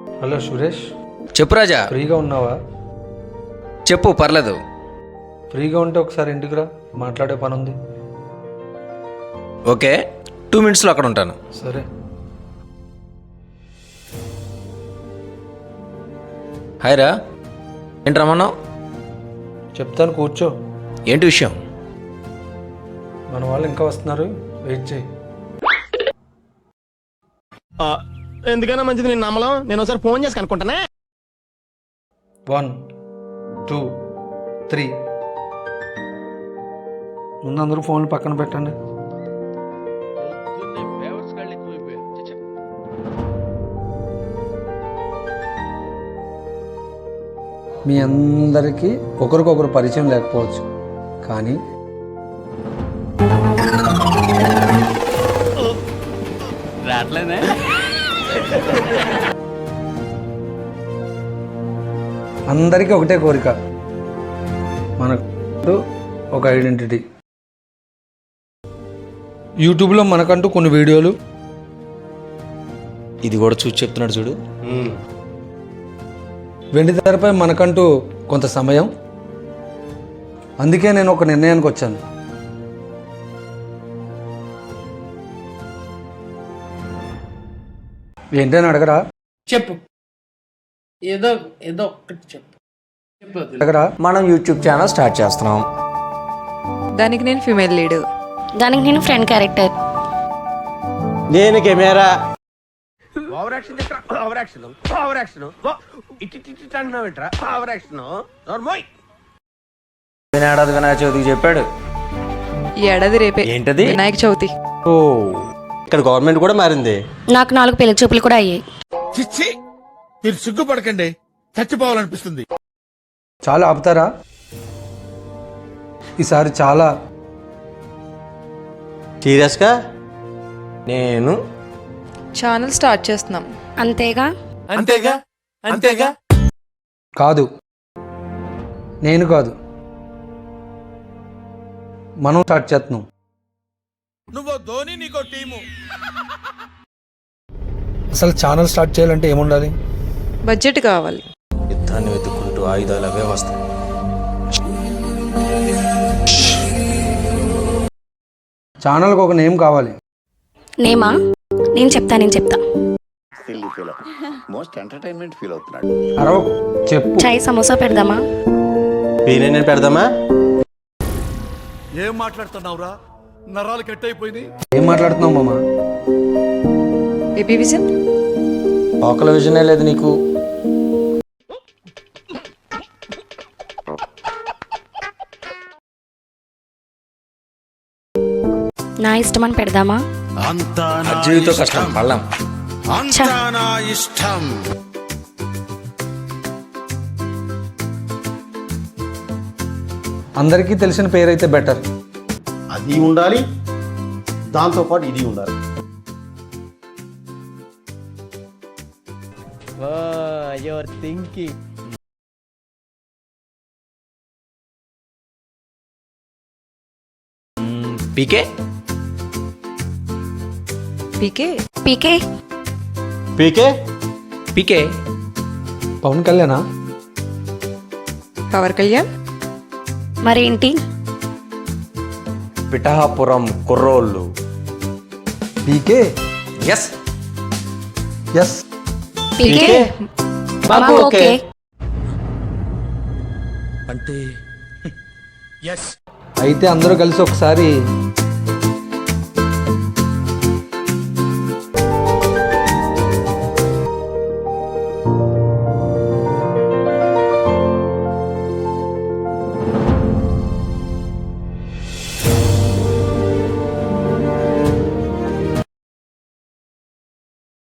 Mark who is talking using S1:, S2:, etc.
S1: Hello Suresh,
S2: చెప్పు రాజా.
S1: ఫ్రీగా ఉన్నావా?
S2: చెప్పు, పర్లేదు.
S1: ఫ్రీగా ఉంటే ఒకసారి ఇంటికి రా, మాట్లాడే పని ఉంది.
S2: ఓకే, 2 minutesలో అక్కడ ఉంటాను.
S1: సరే.
S2: హాయ్ రా, ఏంటి రమ్మన్నావు?
S1: చెప్తాను, కూర్చో.
S2: ఏంటి విషయం?
S1: మన వాళ్ళు ఇంకా వస్తున్నారు, వెయిట్ చేయి.
S3: ఎందుకైనా మంచిది నేను నమ్మలం. నేను ఒకసారి ఫోన్ చేసి కనుక్కుంటానే.
S1: 1 2 3. ముందు అందరూ ఫోన్లు పక్కన పెట్టండి. మీ అందరికీ ఒకరికొకరు పరిచయం లేకపోవచ్చు, కానీ అందరికీ ఒకటే కోరిక, మనకు ఒక ఐడెంటిటీ. యూట్యూబ్లో మనకంటూ కొన్ని వీడియోలు,
S2: ఇది కూడా చూసి చెప్తున్నాడు చూడు.
S1: వెండి తెరపై మనకంటూ కొంత సమయం. అందుకే నేను ఒక నిర్ణయానికి వచ్చాను. ఏంటని అడగరా?
S4: చెప్పు, ఏదో ఏదో ఒక్కటి చెప్పు.
S1: అడగరా?
S2: మనం యూట్యూబ్ ఛానల్ స్టార్ట్ చేస్తున్నాం.
S5: దానికి నేను ఫీమేల్ లీడ్,
S6: దానికి నేను ఫ్రెండ్ క్యారెక్టర్.
S3: నేను కెమెరా.
S2: ఏడాది వినాయక చవితికి చెప్పాడు.
S5: ఈ ఏడాది రేపే
S2: ఏంటది?
S5: వినాయక చవితి.
S2: ఓ,
S3: ఇక్కడ గవర్నమెంట్ కూడా మారింది.
S6: నాకు 4 పెళ్లి చూపులు కూడా అయ్యాయి.
S7: చిచ్చి, మీరు సిగ్గుపడకండి, చచ్చిపోవాలనిపిస్తుంది.
S1: చాలా ఆపుతారా? ఈసారి చాలా
S3: సీరియస్గా నేను
S5: ఛానల్ స్టార్ట్ చేస్తున్నాం.
S6: అంతేగా?
S7: అంతేగా అంతేగా.
S1: కాదు, నేను కాదు, మనం స్టార్ట్ చేస్తున్నాం.
S7: నువ్వు ధోని, నీకో టీము.
S1: అసలు ఛానల్ స్టార్ట్ చేయాలంటే ఏముండాలి?
S5: బడ్జెట్ కావాలి.
S2: యుద్ధాన్ని వెతుక్కుంటూ ఆయుధాలు అవే వస్తాయి.
S1: ఛానల్కి ఒక నేమ్ కావాలి.
S6: నేమా? నేను చెప్తా.
S8: మోస్ట్ ఎంటర్టైన్మెంట్ ఫీల్ అవుతున్నాడు.
S1: అరవకు, చెప్పు.
S6: చాయ్ సమోసా పెడదామా?
S3: నేను పెడదామా?
S7: ఏం మాట్లాడుతున్నావురా? నరాలు కట్ అయిపోయింది.
S1: ఏం మాట్లాడుతున్నావు మామ?
S5: AP vision.
S2: లోకల్ విజనే లేదు నీకు.
S6: నా ఇష్టమని పెడదామా?
S7: అంతా నా
S2: జీవితం
S7: ఇష్టం.
S2: కష్టం పళ్ళం.
S7: అంతా నా ఇష్టం.
S1: అందరికీ తెలిసిన పేరైతే బెటర్.
S3: అది ఉండాలి, దాంతో పాటు ఇది ఉండాలి. Your thinking.
S2: PK.
S5: PK.
S6: PK.
S3: PK.
S2: PK.
S1: Pawan కళ్యాణా?
S5: పవర్ కళ్యాణ్.
S6: మరేంటి?
S2: పిఠాపురం కుర్రోళ్ళు.
S1: పీకే.
S2: ఎస్.
S1: ఎస్.
S6: పీకే. మాకు ఓకే.
S7: అంటే ఎస్.
S1: అయితే అందరూ కలిసి ఒకసారి